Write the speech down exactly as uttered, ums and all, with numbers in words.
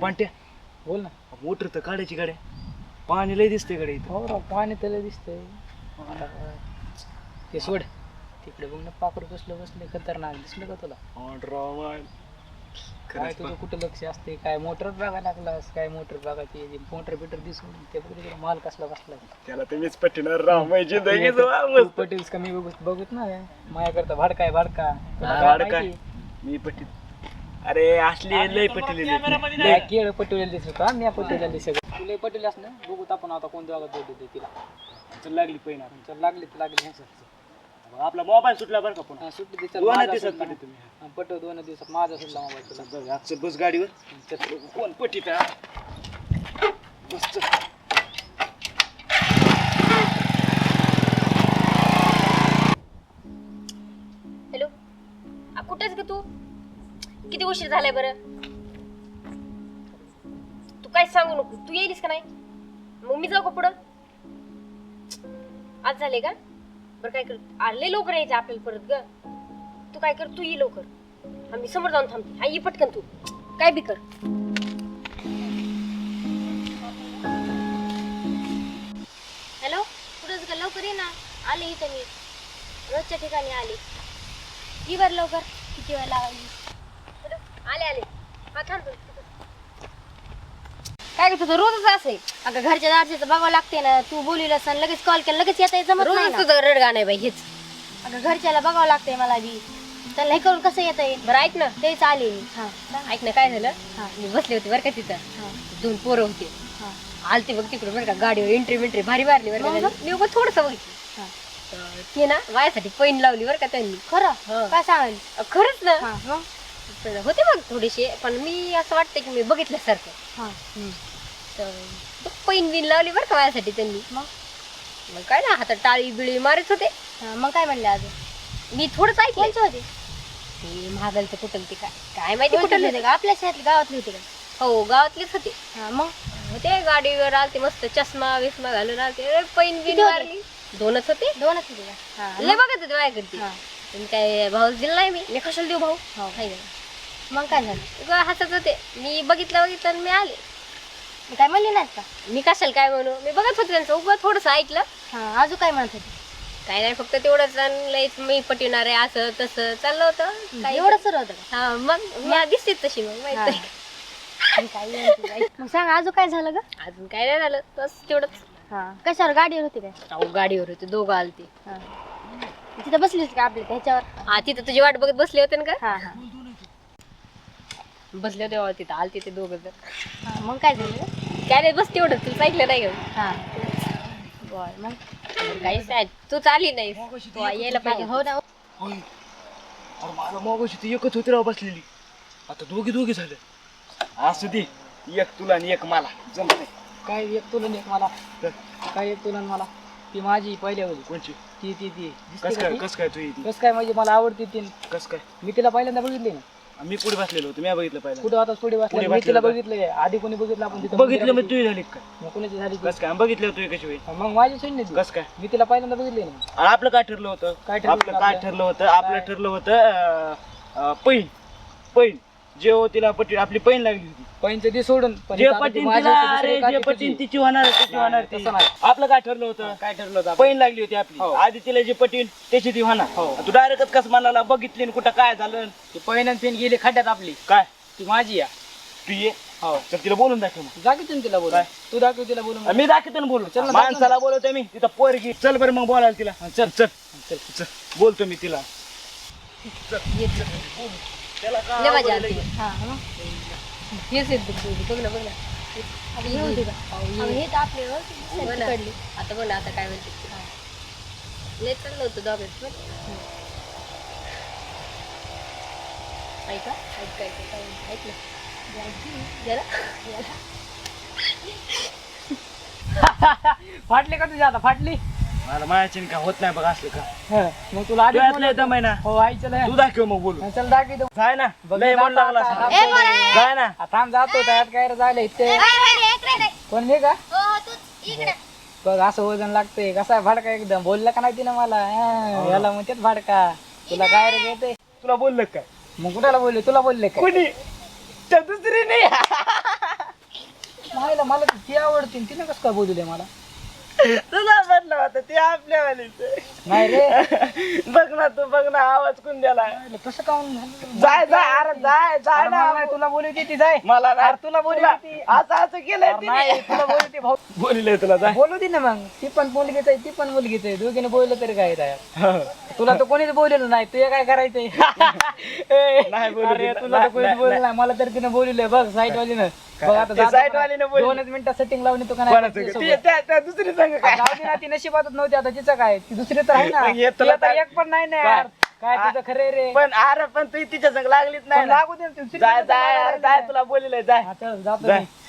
पांट्या बोल ना. मोटर तर काढायची गाड्या, पाणी लय दिसते गाड्या इथं. हो राव पाणी त्याला दिसतंय. ते सोड तिकडे बघ ना, पाखरू बसलं बसले खतरनाक दिसलं का तुला? काय तुझं कुठं लक्ष असते? काय मोटर बघा लागलास? काय मोटर बघा ते मोटर बिटर दिसून ते बघ तिकडे माल कसला बसला. त्याला तुम्हीच पटणार राव, माझी जिंदगी तू पटेल्स कमी बघत बघत ना माया करता भाडका आहे भाडका. तुला काय भाडका? माहिती? मी पटील. अरे असली लय पटेल लय केळ पटवलेलं दिसत होता, मी पटवलेलं दिसत. तू लय पटेल असं ना, बघूत आपण आता कोण जागा देते तिला. चल लागली पहिला. चल लागली तर लागली ह्याच आपला मोबाईल सुटला बरं का पण. सुट्टी दे. दोन दिवसात पटेल तुम्ही. पटव दोन दिवसात माझा सुद्धा मोबाईल तुला. आजचं बस गाडीवर कोण पटीत बस. हॅलो, कुठेच ग तू? किती उशीर झालाय बरं? तू काय सांगू नको. तू येईलीस का नाही? मग मी जाऊ का पुढं? आज झाले का? बरं काय कर, आले लवकर यायचं आपल्याला परत ग. तू काय कर, तू ये लवकर, आम्ही समोर जाऊन थांबते. हा ये पटकन, तू काय बी कर. हॅलो, कुठंच का? लवकर ये ना. आले इथं मी रोजच्या ठिकाणी आले. ये बरं लवकर. किती वेळ लागली? आले आले. हा थांब. काय करतो तू? रोजच असे अगं, घरच्या दारचं बघावं लागते ना. तू बोलवलं सण लगेच कॉल केला, लगेच येता येत जमत नाही. तुझं रडगा नाही बाई हेच. अगं घरच्याला बघावं लागतंय मला बी. त्याला हे करून कसं येत आहे? बरं ऐक ना, तेच आले मी. हा ऐक ना, काय झालं? मी बसले होते बरं का तिथं. दोन पोरं होते. आलते बघ तिकडे बरं का, गाडीवर एंट्री मेंट्री भारी मारली बरं का. मी उगाच थोडंसं बघितलं. ते ना माझ्यासाठी पैन लावली बरं का त्यांनी. खरं? काय सांगाल? खरंच ना. होते बघ थोडीशी, पण मी असं वाटतं की मी बघितल्यासारखं. पैन बिन लावली बरं का माझ्यासाठी त्यांनी. मग काय ना, हातात टाळी बिळी मारत होते. मग काय म्हणले अजून? मी थोडंच ऐकलं होते. ते महागाल तर कुठं ते काय काय माहिती कुठं होते का? आपल्या शहरातले गावातले होते का? हो गावातलेच होते. मग होते गाडीवर आलते मस्त, चष्मा विस्मा घालून आलते. पैन बिन मारली. दोनच होते. दोनच होते लय बघत होते माझ्याकडे. काय भाऊ दिला नाही मी. मी कशाला देऊ भाऊ? मग काय झालं? हसत होते. मी बघितलं बघितलं आणि मी आले. काय म्हणले नाहीत का? मी कशाला काय म्हणू, मी बघत होते त्यांचं. उभं थोडंसं ऐकलं. अजून काय म्हणत होते? काय नाही, फक्त तेवढंच लयच मी पटवणार आहे असं तसं चाललं होतं. काय एवढं सर होतं? हा मग मी दिसते तशी. मग माहिती मग सांग अजून काय झालं ग? अजून काय नाही झालं, बस तेवढंच. हा कशावर? गाडीवर होते काय? अहो गाडीवर होते, दोघं आलते. तिथं बसली होती का आपल्या त्याच्यावर? हा तिथं तुझी वाट बघत बसले होते ना का? बसले होते तिथं आलते ते दोघं जण. मग काय झालं? काय नाही, बस तेवढं. तुला ऐकलं नाही का? बर मग काहीच नाही. तू चाली नाही, तू यायला पाहिजे. हो ना. अरे मला मगाशी ती एकच होती राव बसलेली, आता दोघी दोघी झाले. असू दे, एक तुला आणि एक मला जमत. काय एक तुला एक मला? काय एक तुला मला? ती माझी पहिल्या होती. कोणची? ती ती ती कस काय कस काय तू? कस काय म्हणजे मला आवडते ती. कस काय? मी तिला पहिल्यांदा बघितली ना. मी पुढे बसलेलो होतो, मी बघितलं पाहिजे. कुठं आता पुढे बसले? मी तिला बघितलंय आधी. कोणी बघितलं? आपण तिथं बघितलं. मग तुझी झाली काय? मग कोणाची झाली? कस काय बघितलं तू कशी होईल? मग माझी सुन नाही. कस काय? मी तिला पहिल्यांदा बघितली ना. आणि आपलं काय ठरलं होतं? काय ठरलं आपलं काय ठरलं होतं? आपलं ठरलं होतं पैन. पैन जे हो तिला पटी आपली पैन लागली होती. पैनचं ती सोडून जे पटीन तिला, अरे जे पटीन तिची होणार तिची होणार. आपलं काय ठरलं होतं? काय ठरलं होतं? पैन लागली होती आपली. आधी तिला जे पटीन त्याची ती होणार. तू डायरेक्ट कस म्हणाला? बघितली कुठं काय झालं? ती पैन आणि पेन गेली खड्ड्यात आपली. काय ती माझी या. तू ये. हो तर तिला बोलून दाखव. मग दाखवतो तिला बोलून. तू दाखव तिला बोलून. मी दाखवतो ना बोलून. चल माणसाला बोलवतो मी. तिथं पोरगी. चल बरं मग बोलायला तिला. चल चल चल चल बोलतो मी तिला. त्याला काय मजा आवडलं? हेच येत बघ ना बघ ना. आता बघ ना आता काय म्हणते. लय चाललं होतं दोघांच. ऐका ऐक ऐक ऐक ना जरा. फाटली का तुझ्या आता? फाटली? मला मायाची का होत नाही बघ असलं का. मग तुला आधी दमाय ना. हो आई चल. तू दाखव मग बोलू. चल दाखव. काय ना लय मन लागला काय ना. थांब जातो त्यात काय झालं इथे. कोण मी का? बघ असं वजन लागतंय. कसा भाडका एकदम. बोलला का नाही तिनं मला? याला म्हणतात भाडका. तुला काय रे घेते? तुला बोललं काय? मग कुणाला बोलले? तुला बोलले का? कोणी? दुसरी नाही. मायला मला ती आवडते तिने कसं काय बोलू दे मला तुला म्हणलं होतं ते आपल्या वालीच नाही रे बघ ना तू बघ ना आवाज कोण द्याला मायला कसं काऊन झालं? जाय जाय अरे जाय जाय अरे ना मला नाही, तुला बोलू ती जाय मला नाही. अरे तुला बोलू तुला ती असं असं केलंय अरे नाही तुला बोलू ती भाऊ बोलिले तुला जाय बोलू दे ना मग ती पण मुलगीच आहे ती पण मुलगीच आहे दोघीने बोललं तरी काय आहे तुला तर कोणीच बोललेलं नाही तुझे काय करायचंय नाही बोलू अरे दिलं. तुला तर नाही, कोणीच नाही, बोललं नाही मला तर तिने बोलले बघ साईट वालीनं बघ आता ते जातो site का? वालीनं बोलली. दोनच मिनिटं सेटिंग लावून येतो का कोणाचं नाही ग? तिच्यासोबत? ती- त्या त्या दुसरी संग काय जाऊ दे ना ती नशिबातच नव्हती आता तिचं काय ती दुसरी तर आहे ना मग हे ती तुला आता काय- एक पण नाही ना काय? यार काय तुझं खरं रे पण अरे पण तू तिच्या संग लागलीच नाही पण ना. लागू दे ना, ती दुसरी जाय तर जाय लागायला अरे, जाय लागली. तुला बोलिले जाय हा, चल, जातो जाय. मी.